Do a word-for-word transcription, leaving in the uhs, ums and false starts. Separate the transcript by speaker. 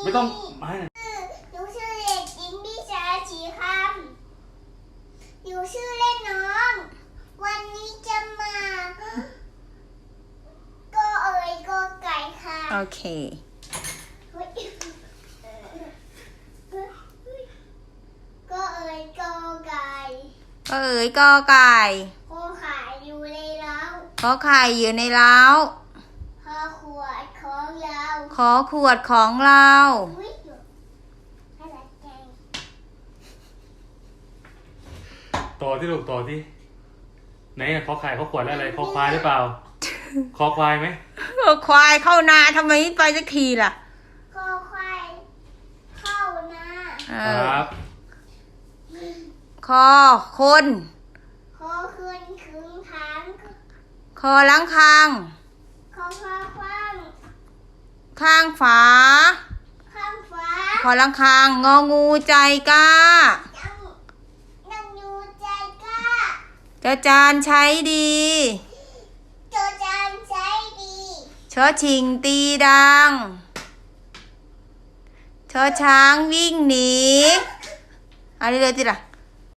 Speaker 1: ไม่ต้องมา
Speaker 2: หนูชื่อเด็กหญิงพิชาชีคำหนูชื่อเล่นน้อง วันนี้จะมาก็เอ๋ยก็ไก่ค่ะ
Speaker 3: โอเค
Speaker 2: ก็เอ๋ยก็ไก่
Speaker 3: ก็เอ๋ยก็ไก่
Speaker 2: ขอไข่อยู่ในเล้า
Speaker 3: ขอไข่อยู่ในเล้า
Speaker 2: ขอขวดของเรา
Speaker 3: ขอขวดของเรา
Speaker 1: ต่อที่ลูกต่อที่ไหนขอไข่ขอขวดแล้วอะไรขอควายหรือเปล่าขอควายไหม
Speaker 3: ควายเข้านาทำไมไม่ไปสักทีล่ะ
Speaker 2: ขอควายเข้านา
Speaker 1: ครับ
Speaker 3: คอคน
Speaker 2: ขอคืนคืนทาง
Speaker 3: คอล้างคาง
Speaker 2: ขอฟ้าคว้าง
Speaker 3: ข้างฝา
Speaker 2: ข้างฟ้า
Speaker 3: คอล้างคางงองูใจกล้า
Speaker 2: นั่งอยู่ใจกล้า
Speaker 3: จอจานใช้ดี
Speaker 2: จอจานใช้ดี
Speaker 3: ชอชิงตีดังชอช้างวิ่งหนีอะไรเลยจิล่ะ